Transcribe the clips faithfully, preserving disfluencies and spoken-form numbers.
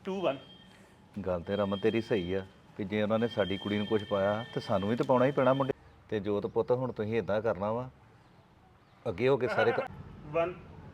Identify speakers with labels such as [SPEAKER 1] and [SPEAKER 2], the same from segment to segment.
[SPEAKER 1] To one
[SPEAKER 2] ਗੱਲ ਤੇ ਰਮਨ ਤੇਰੀ ਸਹੀ ਆ ਕਿ ਜੇ ਉਹਨਾਂ ਨੇ ਸਾਡੀ ਕੁੜੀ ਨੂੰ ਕੁਝ ਪਾਇਆ ਤੇ ਸਾਨੂੰ ਵੀ ਤਾਂ ਪਾਉਣਾ ਹੀ ਪੈਣਾ ਮੁੰਡੇ ਤੇ ਜੋਤ ਪੁੱਤ ਹੁਣ ਤੁਸੀਂ ਇਦਾਂ ਕਰਨਾ ਵਾ ਅੱਗੇ ਹੋ ਕੇ ਸਾਰੇ ਕ-
[SPEAKER 1] ਵਨ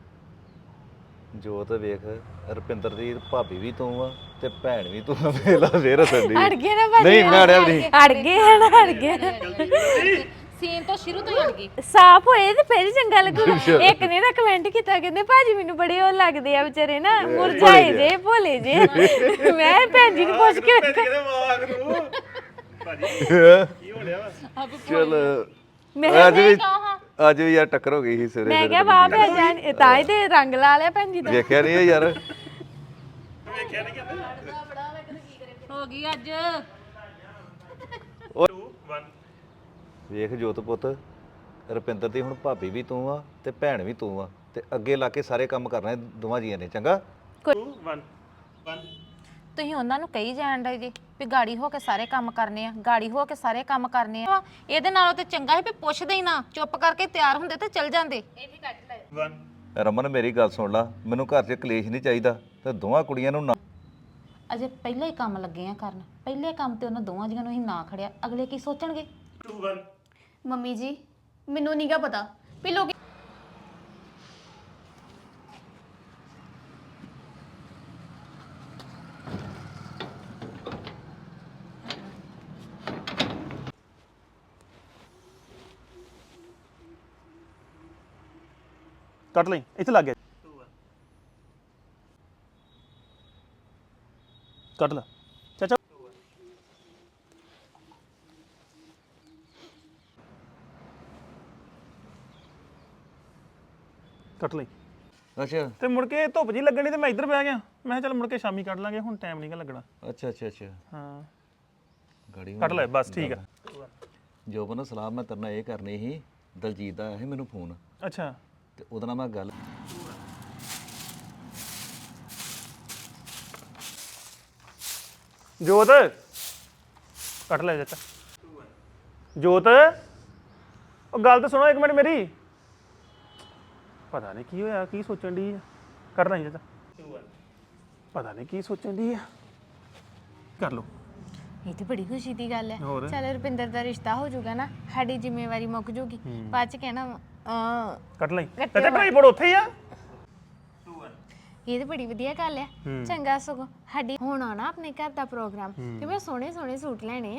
[SPEAKER 2] ਜੋਤ ਵੇਖ ਰੁਪਿੰਦਰ ਦੀ ਭਾਬੀ ਵੀ ਤੂੰ ਆ ਤੇ ਭੈਣ ਵੀ ਤੂੰ ਆ ਵੇਲਾ ਫੇਰ ਹੱਸਦੀ
[SPEAKER 3] ਅੜ ਗਏ ਨਾ ਭਾਜੀ
[SPEAKER 2] ਨਹੀਂ ਮੈਂ ਅੜਿਆ ਵੀ ਨਹੀਂ
[SPEAKER 3] ਅੜ ਗਏ ਹਨ ਅੜ ਗਏ
[SPEAKER 4] ਸੀਨ ਤੋਂ ਸ਼ੁਰੂ ਤੋਂ ਹੀ ਅੜ ਗਈ
[SPEAKER 3] ਸਾਫ ਹੋਏ ਤੇ ਫਿਰ ਹੀ ਚੰਗਾ ਲੱਗੂ ਇੱਕ ਨੇ ਨਾ ਕਮੈਂਟ ਕੀਤਾ ਕਹਿੰਦੇ ਭਾਜੀ ਮੈਨੂੰ ਬੜੇ ਉਹ ਲੱਗਦੇ ਆ ਵਿਚਾਰੇ ਨਾ ਮੁਰਝਾਏ ਜੇ ਭੋਲੇ ਜੇ ਮੈਂ ਭੈਣ ਜੀ ਨੂੰ ਪੁੱਛ ਕੇ
[SPEAKER 1] ਕਿਹਦੇ ਮਾਗ ਨੂੰ ਭਾਜੀ ਕੀ ਹੋ ਰਿਹਾ ਵਾ
[SPEAKER 2] ਚਲ
[SPEAKER 3] ਮੈਂ
[SPEAKER 2] ਅੱਜ ਵੀ ਅੱਜ ਵੀ ਯਾਰ ਟੱਕਰ ਹੋ ਗਈ ਸੀ ਸਵੇਰੇ
[SPEAKER 3] ਮੈਂ ਕਿਹਾ ਵਾਹ ਭੈਣ ਜਾਨ ਇਹ ਤਾਂ ਹੀ ਤੇ ਰੰਗ ਲਾ ਲਿਆ ਭੈਣ ਜੀ ਦਾ
[SPEAKER 2] ਵੇਖਿਆ ਨਹੀਂ ਇਹ ਯਾਰ
[SPEAKER 1] ਵੇਖਿਆ ਨਹੀਂ ਕਹਿੰਦੇ
[SPEAKER 4] ਹੋ ਗਈ ਅੱਜ
[SPEAKER 1] ਟੂ ਵਨ
[SPEAKER 2] ਵੇਖ ਜੋਤ ਪੁੱਤ ਰੁਪਿੰਦਰ ਦੀ ਹੁਣ ਭਾਬੀ ਵੀ ਤੂੰ ਆ ਤੇ ਭੈਣ ਵੀ ਤੂੰ ਆ ਤੇ ਅੱਗੇ ਲਾ ਕੇ ਸਾਰੇ ਕੰਮ ਕਰਨੇ ਦੋਵਾਂ ਜੀਆਂ ਨੇ ਚੰਗਾ
[SPEAKER 1] ਟੂ ਵਨ ਵਨ
[SPEAKER 4] ਤੁਸੀਂ ਉਹਨਾਂ ਨੂੰ ਕਹੀ ਜਾਣ ਡੇ ਜੀ ਵੀ ਗਾੜੀ ਹੋ ਕੇ ਸਾਰੇ ਕੰਮ ਕਰਨੇ ਆ ਗਾੜੀ ਹੋ ਕੇ ਸਾਰੇ ਕੰਮ ਕਰਨੇ ਆ ਇਹਦੇ ਨਾਲੋਂ ਤੇ ਚੰਗਾ ਸੀ ਵੀ ਪੁੱਛਦੇ ਹੀ ਨਾ ਚੁੱਪ ਕਰਕੇ ਤਿਆਰ ਹੁੰਦੇ ਤੇ ਚੱਲ ਜਾਂਦੇ
[SPEAKER 1] ਵਨ
[SPEAKER 2] ਰਮਨ ਮੇਰੀ ਗੱਲ ਸੁਣ ਲਾ ਮੈਨੂੰ ਘਰ 'ਚ ਕਲੇਸ਼ ਨਹੀਂ ਚਾਹੀਦਾ ਤੇ ਦੋਵਾਂ ਕੁੜੀਆਂ ਨੂੰ ਨਾ
[SPEAKER 4] ਅਜੇ ਪਹਿਲਾਂ ਹੀ ਕੰਮ ਲੱਗੇ ਆ ਕਰਨ ਪਹਿਲੇ ਕੰਮ ਤੇ ਉਹਨਾਂ ਦੋਵਾਂ ਜੀਆਂ ਨੂੰ ਹੀ ਨਾ ਖੜਿਆ ਅਗਲੇ ਕੀ ਸੋਚਣਗੇ
[SPEAKER 1] ਟੂ ਵਨ
[SPEAKER 5] ਮੰਮੀ ਜੀ ਮੈਨੂੰ ਨਹੀਂਗਾ ਪਤਾ ਵੀ ਲੋਕ
[SPEAKER 1] ਕੱਟ ਲਈ ਇੱਥੇ ਲੱਗ ਗਿਆ ਕੱਟ ਲੈ ਚਾਚਾ ਕੱਟ ਲਈ
[SPEAKER 2] ਅੱਛਾ
[SPEAKER 1] ਤੇ ਮੁੜ ਕੇ ਧੁੱਪ ਜੀ ਲੱਗਣੀ ਤੇ ਮੈਂ ਇੱਧਰ ਬਹਿ ਗਿਆ ਮੈਂ ਕਿਹਾ ਚੱਲ ਮੁੜ ਕੇ ਸ਼ਾਮੀ ਕੱਢ ਲਾਂਗੇ ਹੁਣ ਟਾਈਮ ਨਹੀਂਗਾ ਲੱਗਣਾ
[SPEAKER 2] ਅੱਛਾ ਅੱਛਾ ਅੱਛਾ
[SPEAKER 1] ਹਾਂ
[SPEAKER 2] ਗਾੜੀ
[SPEAKER 1] ਕੱਟ ਲੈ ਬਸ ਠੀਕ ਆ
[SPEAKER 2] ਜੋਬਨ ਸਲਾਹ ਮੈਂ ਤੇਰੇ ਨਾਲ ਇਹ ਕਰਨੀ ਸੀ ਦਲਜੀਤ ਦਾ ਆਇਆ ਸੀ ਮੈਨੂੰ ਫੋਨ
[SPEAKER 1] ਅੱਛਾ
[SPEAKER 2] ਤੇ ਉਹਦੇ ਨਾਲ ਮੈਂ ਗੱਲ
[SPEAKER 1] ਜੋਤ ਕੱਟ ਲੈ ਚਾਚਾ ਜੋਤ ਉਹ ਗੱਲ ਤਾਂ ਸੁਣੋ ਇੱਕ ਮਿੰਟ ਮੇਰੀ ਪਤਾ ਨਹੀਂ ਕੀ ਹੋਇਆ ਕੀ ਸੋਚਣ ਦੀ ਕਰਨਾ ਹੀ ਚਾਚਾ ਪਤਾ ਨਹੀਂ ਕੀ ਸੋਚਣ ਦੀ ਆ ਕਰ ਲਓ
[SPEAKER 3] ਇਹ ਤੇ ਬੜੀ ਖੁਸ਼ੀ ਦੀ ਗੱਲ ਹੈ
[SPEAKER 1] ਹੋਰ?
[SPEAKER 3] ਚੱਲ ਰੁਪਿੰਦਰ ਦਾ ਰਿਸ਼ਤਾ ਹੋ ਜਾਊਗਾ ਨਾ ਸਾਡੀ ਜ਼ਿੰਮੇਵਾਰੀ ਮੁੱਕ ਜੂਗੀ ਬਾਅਦ ਚ ਕਹਿਣਾ ਆ
[SPEAKER 1] ਕੱਟ ਲਈ ਚਾਚਾ ਟਰਾਈ ਪੜ ਉੱਥੇ ਹੀ ਆ
[SPEAKER 3] ਇਹ ਤੇ ਬੜੀ ਵਧੀਆ ਗੱਲ ਹੈ ਚੰਗਾ ਸਗੋਂ ਸਾਡੀ ਹੁਣ ਆਣਾ ਆਪਣੇ ਘਰ ਦਾ ਪ੍ਰੋਗਰਾਮ ਤੇ ਮੈਂ ਸੋਹਣੇ ਸੋਹਣੇ ਸੂਟ ਲੈਣੇ ਆ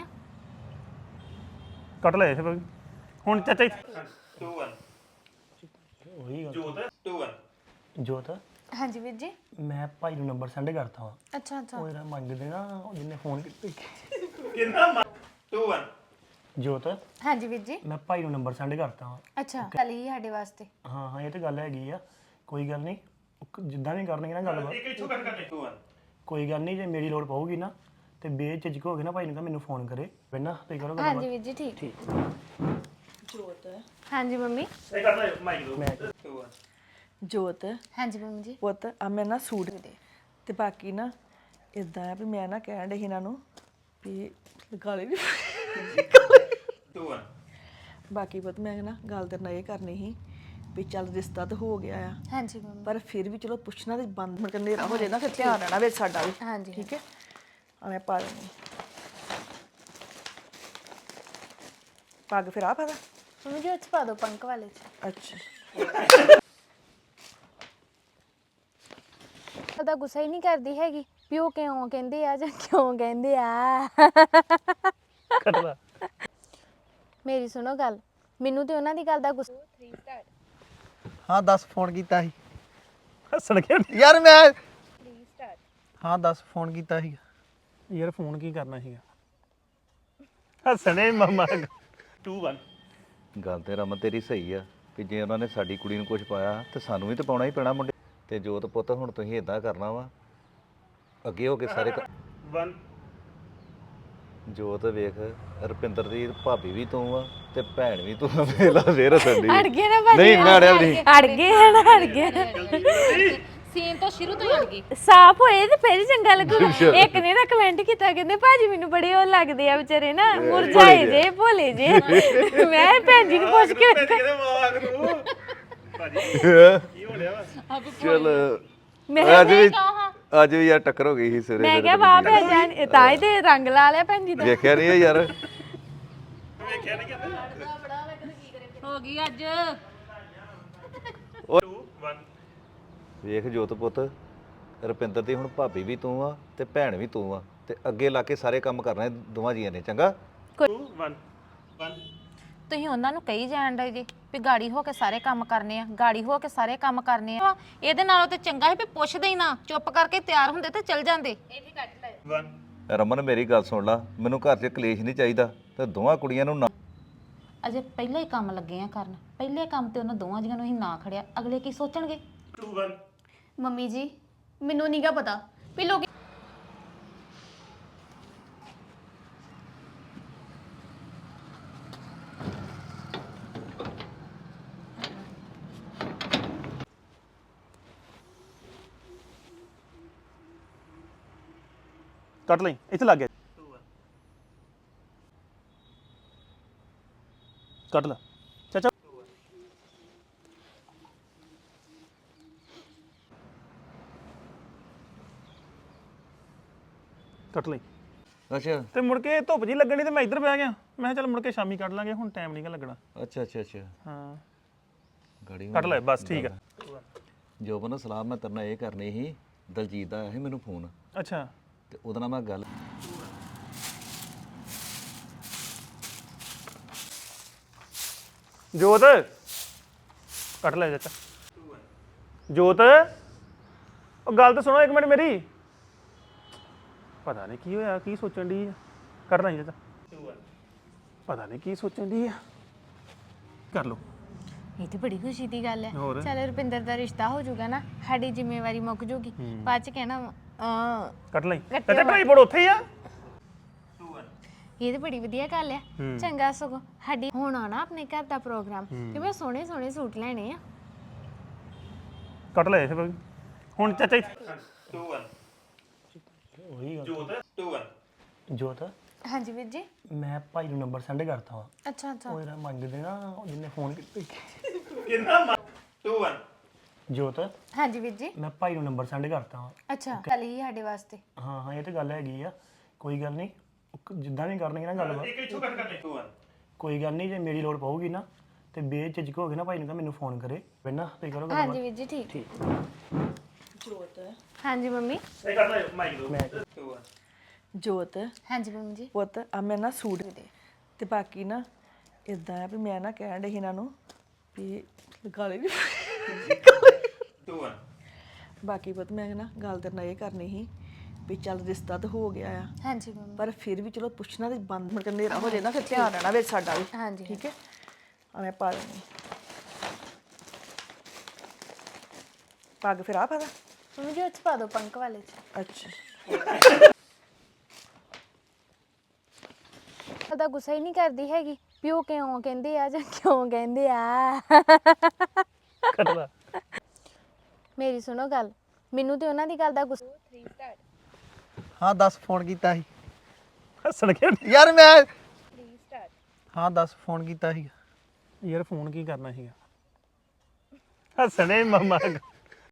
[SPEAKER 1] ਕੱਟ ਲੈ ਫਿਰ ਹੁਣ ਚਾਚਾ ਟੂ ਵਨ ਉਹੀ ਗੱਲ ਜੋਤ ਟੂ ਵਨ
[SPEAKER 6] ਜੋਤ
[SPEAKER 3] ਹਾਂਜੀ ਵੀਰ ਜੀ
[SPEAKER 6] ਮੈਂ ਭਾਈ ਨੂੰ ਨੰਬਰ ਸੈਂਡ ਕਰਤਾ ਵਾ
[SPEAKER 3] ਅੱਛਾ ਅੱਛਾ
[SPEAKER 6] ਉਹ ਜਿਹੜਾ ਮੰਗਦੇ ਨਾ ਉਹ ਜਿਹਨੇ ਫੋਨ ਕੀਤਾ
[SPEAKER 1] ਕਿੰਨਾ ਟੂ ਵਨ
[SPEAKER 6] ਜੋਤ
[SPEAKER 3] ਹਾਂਜੀ ਵੀਰ ਜੀ
[SPEAKER 6] ਮੈਂ ਭਾਈ ਨੂੰ ਨੰਬਰ ਸੈਂਡ ਕਰਤਾ ਵਾ
[SPEAKER 3] ਅੱਛਾ ਕੱਲ ਹੀ ਸਾਡੇ ਵਾਸਤੇ
[SPEAKER 6] ਹਾਂ ਹਾਂ ਇਹ ਤੇ ਗੱਲ ਹੈਗੀ ਆ ਕੋਈ ਗੱਲ ਨਹੀਂ ਉਹ ਕ- ਜਿੱਦਾਂ ਵੀ ਕਰਨਗੇ ਨਾ ਗੱਲਬਾਤ
[SPEAKER 1] ਇੱਕ ਇੱਥੋਂ ਕੱਟ ਕਰ ਟੂ ਵਨ
[SPEAKER 6] ਕੋਈ ਗੱਲ ਨਹੀਂ ਜੇ ਮੇਰੀ ਲੋੜ ਪਊਗੀ ਨਾ ਤੇ ਬੇਝਿਜਕ ਹੋ ਕੇ ਨਾ ਭਾਈ ਨੂੰ ਕਹ ਮੈਨੂੰ ਫੋਨ ਕਰੇ ਪਹਿਲਾਂ ਤੇ ਕਰੋ ਗੱਲਬਾਤ
[SPEAKER 3] ਹਾਂਜੀ ਵੀਰ ਜੀ ਠੀਕ ਜੋਤ ਹਾਂਜੀ ਮੰਮੀ
[SPEAKER 1] ਇਹ ਕੱਟ ਲੈ ਮਾਈਕ ਦੋ ਟੂ ਵਨ
[SPEAKER 7] ਜੋਤ
[SPEAKER 3] ਹਾਂਜੀ ਮੰਮੀ ਜੀ
[SPEAKER 7] ਪੁੱਤ ਆ ਮੈਂ ਨਾ ਸੂਟ ਤੇ ਬਾਕੀ ਨਾ ਇਦਾਂ ਆ ਵੀ ਮੈਂ ਨਾ ਕਹਿਣ ਡਈ ਸੀ ਇਹਨਾਂ ਨੂੰ ਵੀ ਗਾਲੇ ਨਹੀਂ
[SPEAKER 1] ਟੂ ਵਨ
[SPEAKER 7] ਬਾਕੀ ਪੁੱਤ ਮੈਂ ਨਾ ਗੱਲ ਤੇਰੇ ਨਾਲ ਇਹ ਕਰਨੀ ਸੀ ਵੀ ਚੱਲ ਰਿਸ਼ਤਾ ਤਾਂ ਹੋ ਗਿਆ ਆ
[SPEAKER 3] ਹਾਂਜੀ ਮੰਮੀ
[SPEAKER 7] ਪਰ ਫਿਰ ਵੀ ਚਲੋ ਪੁੱਛਣਾ ਤੇ ਬੰਦ ਮੁੜ ਕੇ ਹਨੇਰਾ ਹੋ ਜਾਏ ਨਾ ਫਿਰ ਧਿਆਨ ਰਹਿਣਾ ਵਿੱਚ ਸਾਡਾ ਵੀ
[SPEAKER 3] ਹਾਂਜੀ
[SPEAKER 7] ਠੀਕ ਹੈ ਆ ਮੈਂ ਪਾ ਲੈਂਦੀ ਪੱਗ ਫਿਰ ਆ ਪਾਦਾ
[SPEAKER 3] ਮੰਮੀ ਜੀ ਉੱਚ ਪਾ ਦਿਓ ਪੰਕ ਵਾਲੇ ਚ
[SPEAKER 7] ਅੱਛਾ
[SPEAKER 3] ਉਹਦਾ ਗੁੱਸਾ ਹੀ ਨਹੀਂ ਕਰਦੀ ਹੈਗੀ ਵੀ ਉਹ ਕਿਉਂ ਕਹਿੰਦੇ ਆ ਜਾਂ ਕਿਉਂ ਕਹਿੰਦੇ ਆ
[SPEAKER 1] ਕੱਟ ਲੈ
[SPEAKER 8] ਮੇਰੀ ਸੁਣੋ ਗੱਲ, ਮੈਨੂੰ ਤੇ ਉਹਨਾਂ ਦੀ ਗੱਲ ਦਾ ਗੁੱਸਾ।
[SPEAKER 9] ਹਾਂ ਦੱਸ ਫੋਨ ਕੀਤਾ ਸੀ
[SPEAKER 1] ਹੱਸਣ ਗਿਆ
[SPEAKER 9] ਯਾਰ ਮੈਂ ਹਾਂ ਦੱਸ ਫੋਨ ਕੀਤਾ ਸੀ
[SPEAKER 1] ਯਾਰ ਫੋਨ ਕੀ ਕਰਨਾ ਸੀਗਾ ਹੱਸਣੇ ਮਮਾ ਟੂ ਵਨ
[SPEAKER 2] ਗੱਲ ਤੇ ਰਮਨ ਤੇਰੀ ਸਹੀ ਆ ਕਿ ਜੇ ਉਹਨਾਂ ਨੇ ਸਾਡੀ ਕੁੜੀ ਨੂੰ ਕੁਝ ਪਾਇਆ ਤੇ ਸਾਨੂੰ ਵੀ ਤਾਂ ਪਾਉਣਾ ਹੀ ਪੈਣਾ ਮੁੰਡੇ ਤੇ ਜੋਤ ਪੁੱਤ ਹੁਣ ਤੁਸੀਂ ਇਦਾਂ ਕਰਨਾ ਵਾ ਅੱਗੇ ਹੋ ਕੇ ਸਾਰੇ ਕ-
[SPEAKER 1] ਵਨ
[SPEAKER 2] ਜੋਤ ਵੇਖ ਰੁਪਿੰਦਰ ਦੀ ਭਾਬੀ ਵੀ ਤੂੰ ਆ ਤੇ ਭੈਣ ਵੀ ਤੂੰ ਆ ਵੇਲਾ ਫੇਰ ਹੱਸਣ
[SPEAKER 3] ਅੜ ਗਏ ਨਾ ਭਾਜੀ
[SPEAKER 2] ਨਹੀਂ ਮੈਂ ਅੜਿਆ ਵੀ ਨਹੀਂ
[SPEAKER 3] ਅੜ ਗਏ ਹਨ ਅੜ ਗਏ
[SPEAKER 4] ਸੀਨ ਤੋਂ ਸ਼ੁਰੂ ਤੋਂ ਹੀ ਅੜ ਗਈ
[SPEAKER 3] ਸਾਫ ਹੋਏ ਤੇ ਫਿਰ ਹੀ ਚੰਗਾ ਲੱਗੂ ਇੱਕ ਨੇ ਨਾ ਕਮੈਂਟ ਕੀਤਾ ਕਹਿੰਦੇ ਭਾਜੀ ਮੈਨੂੰ ਬੜੇ ਉਹ ਲੱਗਦੇ ਆ ਵਿਚਾਰੇ ਨਾ ਮੁਰਝਾਏ ਜੇ ਭੋਲੇ ਜੇ ਮੈਂ ਭੈਣ ਜੀ ਨੂੰ ਪੁੱਛ ਕੇ
[SPEAKER 1] ਕਿਹਦੇ ਮਾਗ ਨੂੰ ਭਾਜੀ ਕੀ ਹੋ ਰਿਹਾ ਵਾ
[SPEAKER 2] ਚਲ
[SPEAKER 3] ਮੈਂ
[SPEAKER 2] ਅੱਜ ਵੀ ਅੱਜ ਵੀ ਯਾਰ ਟੱਕਰ ਹੋ ਗਈ ਸੀ ਸਵੇਰੇ
[SPEAKER 3] ਮੈਂ ਕਿਹਾ ਵਾਹ ਭੈਣ ਜੀ ਤਾਂ ਹੀ ਤੇ ਰੰਗ ਲਾ ਲਿਆ ਭੈਣ ਜੀ ਦਾ
[SPEAKER 2] ਵੇਖਿਆ ਨਹੀਂ ਇਹ ਯਾਰ
[SPEAKER 4] ਹੋ ਗਈ ਅੱਜ
[SPEAKER 2] ਵੇਖ ਜੋਤ ਪੁੱਤ ਰੁਪਿੰਦਰ ਦੀ ਹੁਣ ਭਾਬੀ ਵੀ ਤੂੰ ਆ ਤੇ ਭੈਣ ਵੀ ਤੂੰ ਆ ਤੇ ਅੱਗੇ ਲਾ ਕੇ ਸਾਰੇ ਕੰਮ ਕਰਨੇ ਦੋਵਾਂ ਜੀਆਂ ਨੇ ਚੰਗਾ
[SPEAKER 4] ਤੁਸੀਂ ਉਹਨਾਂ ਨੂੰ ਕਹੀ ਜਾਣ ਡੇ ਜੀ ਵੀ ਗਾੜੀ ਹੋ ਕੇ ਸਾਰੇ ਕੰਮ ਕਰਨੇ ਆ ਗਾੜੀ ਹੋ ਕੇ ਸਾਰੇ ਕੰਮ ਕਰਨੇ ਆ ਇਹਦੇ ਨਾਲੋਂ ਤੇ ਚੰਗਾ ਸੀ ਵੀ ਪੁੱਛਦੇ ਹੀ ਨਾ ਚੁੱਪ ਕਰਕੇ ਤਿਆਰ ਹੁੰਦੇ ਤੇ ਚੱਲ ਜਾਂਦੇ
[SPEAKER 2] ਰਮਨ ਮੇਰੀ ਗੱਲ ਸੁਣ ਲਾ ਮੈਨੂੰ ਘਰ 'ਚ ਕਲੇਸ਼ ਨਹੀਂ ਚਾਹੀਦਾ ਤੇ ਦੋਵਾਂ ਕੁੜੀਆਂ ਨੂੰ ਨਾ
[SPEAKER 4] ਅਜੇ ਪਹਿਲੇ ਹੀ ਕੰਮ ਲੱਗੇ ਆ ਕਰਨ ਪਹਿਲੇ ਕੰਮ ਤੇ ਉਹਨਾਂ ਦੋਵਾਂ ਜੀਆਂ ਨੂੰ ਹੀ ਨਾ ਖੜਿਆ ਅਗਲੇ ਕੀ ਸੋਚਣਗੇ
[SPEAKER 5] ਮੰਮੀ ਜੀ ਮੈਨੂੰ ਨਹੀਂਗਾ ਪਤਾ ਵੀ ਲੋਕ
[SPEAKER 1] ਕੱਟ ਲਈ ਇੱਥੇ ਲੱਗ ਗਿਆ ਕੱਟ ਲੈ ਚਾਚਾ ਕੱਟ ਲਈ
[SPEAKER 2] ਅੱਛਾ
[SPEAKER 1] ਤੇ ਮੁੜ ਕੇ ਧੁੱਪ ਜੀ ਲੱਗਣੀ ਤੇ ਮੈਂ ਇੱਧਰ ਬਹਿ ਗਿਆ ਮੈਂ ਕਿਹਾ ਚੱਲ ਮੁੜ ਕੇ ਸ਼ਾਮੀ ਕੱਢ ਲਾਂਗੇ ਹੁਣ ਟਾਈਮ ਨਹੀਂਗਾ ਲੱਗਣਾ
[SPEAKER 2] ਅੱਛਾ ਅੱਛਾ ਅੱਛਾ
[SPEAKER 1] ਹਾਂ
[SPEAKER 2] ਗਾੜੀ
[SPEAKER 1] ਕੱਟ ਲੈ ਬਸ ਠੀਕ ਆ
[SPEAKER 2] ਜੋਬਨ ਸਲਾਹ ਮੈਂ ਤੇਰੇ ਨਾਲ ਇਹ ਕਰਨੀ ਸੀ ਦਲਜੀਤ ਦਾ ਆਇਆ ਸੀ ਮੈਨੂੰ ਫੋਨ
[SPEAKER 1] ਅੱਛਾ
[SPEAKER 2] ਤੇ ਉਹਦੇ ਨਾਲ ਮੈਂ ਗੱਲ
[SPEAKER 1] ਜੋਤ ਕੱਟ ਲੈ ਚਾਚਾ ਜੋਤ ਉਹ ਗੱਲ ਤਾਂ ਸੁਣੋ ਇੱਕ ਮਿੰਟ ਮੇਰੀ ਪਤਾ ਨਹੀਂ ਕੀ ਹੋਇਆ ਕੀ ਸੋਚਣ ਦੀ ਕਰਨਾ ਹੀ ਚਾਚਾ ਪਤਾ ਨਹੀਂ ਕੀ ਸੋਚਣ ਦੀ ਆ ਕਰ ਲੋ
[SPEAKER 8] ਇਹ ਤੇ ਬੜੀ ਖੁਸ਼ੀ ਦੀ ਗੱਲ ਹੈ
[SPEAKER 1] ਹੋਰ?
[SPEAKER 8] ਚੱਲ ਰੁਪਿੰਦਰ ਦਾ ਰਿਸ਼ਤਾ ਹੋ ਜਾਊਗਾ ਨਾ ਸਾਡੀ ਜ਼ਿੰਮੇਵਾਰੀ ਮੁੱਕ ਜੂਗੀ ਬਾਅਦ ਚ ਕਹਿਣਾ ਆ
[SPEAKER 1] ਕੱਟ ਲਈ ਚਾਚਾ ਢਾਈ ਫੁੱਟ ਉੱਥੇ ਹੀ ਆ
[SPEAKER 8] ਇਹ ਤੇ ਬੜੀ ਵਧੀਆ ਗੱਲ ਹੈ ਚੰਗਾ ਸਗੋਂ ਸਾਡੀ ਹੁਣ ਆਣਾ ਆਪਣੇ ਘਰ ਦਾ ਪ੍ਰੋਗਰਾਮ ਤੇ ਮੈਂ ਸੋਹਣੇ ਸੋਹਣੇ ਸੂਟ ਲੈਣੇ ਆ
[SPEAKER 1] ਕੱਟ ਲੈ ਇਹ ਹੁਣ ਚਾਚਾ
[SPEAKER 6] ਉਹੀ ਗੱਲ ਜੋਤ
[SPEAKER 8] ਹਾਂਜੀ ਵੀਰ ਜੀ
[SPEAKER 6] ਮੈਂ ਭਾਈ ਨੂੰ ਨੰਬਰ ਸੈਂਡ ਕਰਤਾ ਵਾ
[SPEAKER 8] ਅੱਛਾ ਅੱਛਾ
[SPEAKER 6] ਉਹ ਜਿਹੜਾ ਮੰਗਦੇ ਨਾ ਉਹ ਜਿਹਨੇ ਫੋਨ ਕੀਤਾ ਜੋਤ
[SPEAKER 8] ਹਾਂਜੀ ਵੀਰ ਜੀ
[SPEAKER 6] ਮੈਂ ਭਾਈ ਨੂੰ ਨੰਬਰ ਸੈਂਡ ਕਰਤਾ ਵਾ
[SPEAKER 8] ਅੱਛਾ ਕੱਲ ਹੀ ਸਾਡੇ ਵਾਸਤੇ
[SPEAKER 6] ਹਾਂ ਹਾਂ ਇਹ ਤੇ ਗੱਲ ਹੈਗੀ ਆ ਕੋਈ ਗੱਲ ਨਹੀਂ ਉਹ ਕ- ਜਿੱਦਾਂ ਵੀ ਕਰਨਗੇ ਨਾ ਗੱਲਬਾਤ ਕੋਈ ਗੱਲ ਨਹੀਂ ਜੇ ਮੇਰੀ ਲੋੜ ਪਊਗੀ ਨਾ ਤੇ ਬੇਝਿਜਕ ਹੋ ਕੇ ਨਾ ਭਾਈ ਨੂੰ ਕਹ ਮੈਨੂੰ ਫੋਨ ਕਰੇ ਪਹਿਲਾਂ ਤੇ ਕਰੋ ਗੱਲਬਾਤ
[SPEAKER 8] ਹਾਂਜੀ ਵੀਰ ਜੀ ਠੀਕ ਜੋਤ ਹਾਂਜੀ ਮੰਮੀ
[SPEAKER 7] ਜੋਤ
[SPEAKER 3] ਹਾਂਜੀ ਮੰਮੀ ਜੀ
[SPEAKER 7] ਪੁੱਤ ਆ ਮੈਂ ਨਾ ਸੂਟ ਤੇ ਬਾਕੀ ਨਾ ਇਦਾਂ ਆ ਵੀ ਮੈਂ ਨਾ ਕਹਿਣ ਡਈ ਸੀ ਇਹਨਾਂ ਨੂੰ ਵੀ ਗਾਲੀ ਨਹੀਂ ਬਾਕੀ ਪੁੱਤ ਮੈਂ ਨਾ ਗੱਲ ਤੇ ਨਾਲ ਇਹ ਕਰਨੀ ਸੀ ਵੀ ਚੱਲ ਰਿਸ਼ਤਾ ਤਾਂ ਹੋ ਗਿਆ ਆ
[SPEAKER 8] ਹਾਂਜੀ ਮੰਮੀ
[SPEAKER 7] ਪਰ ਫਿਰ ਵੀ ਚਲੋ ਪੁੱਛਣਾ ਤੇ ਬੰਦ ਮੁੜ ਕੇ ਹਨੇਰਾ ਹੋ ਜੇ ਨਾ ਫਿਰ ਧਿਆਨ ਰਹਿਣਾ ਵਿੱਚ ਸਾਡਾ ਵੀ
[SPEAKER 8] ਹਾਂਜੀ
[SPEAKER 7] ਠੀਕ ਹੈ ਆ ਮੈਂ ਪਾ ਲੈਣੀ ਪੱਗ ਫਿਰ ਆ ਪਾਦਾ
[SPEAKER 8] ਮੰਮੀ ਜੀ ਉਹ 'ਚ ਪਾ ਦਿਓ ਪੰਕ ਵਾਲੇ ਚ
[SPEAKER 7] ਅੱਛਾ
[SPEAKER 8] ਉਹਦਾ ਗੁੱਸਾ ਹੀ ਨਹੀਂ ਕਰਦੀ ਹੈਗੀ ਵੀ ਉਹ ਕਿਉਂ ਕਹਿੰਦੇ ਆ ਜਾਂ ਕਿਉਂ ਕਹਿੰਦੇ ਆ
[SPEAKER 1] ਕੱਟ ਲੈ
[SPEAKER 8] ਮੇਰੀ ਸੁਣੋ ਗੱਲ ਮੈਨੂੰ ਤੇ ਉਹਨਾਂ ਦੀ ਗੱਲ ਦਾ ਗੁੱਸਾ
[SPEAKER 9] ਹਾਂ ਦੱਸ ਫੋਨ ਕੀਤਾ ਸੀ
[SPEAKER 1] ਹੱਸਣ ਕੇ
[SPEAKER 9] ਯਾਰ ਮੈਂ ਹਾਂ ਦੱਸ ਫੋਨ ਕੀਤਾ ਸੀ
[SPEAKER 1] ਯਾਰ ਫੋਨ ਕੀ ਕਰਨਾ ਸੀਗਾ ਹੱਸਣੇ ਮਮਾ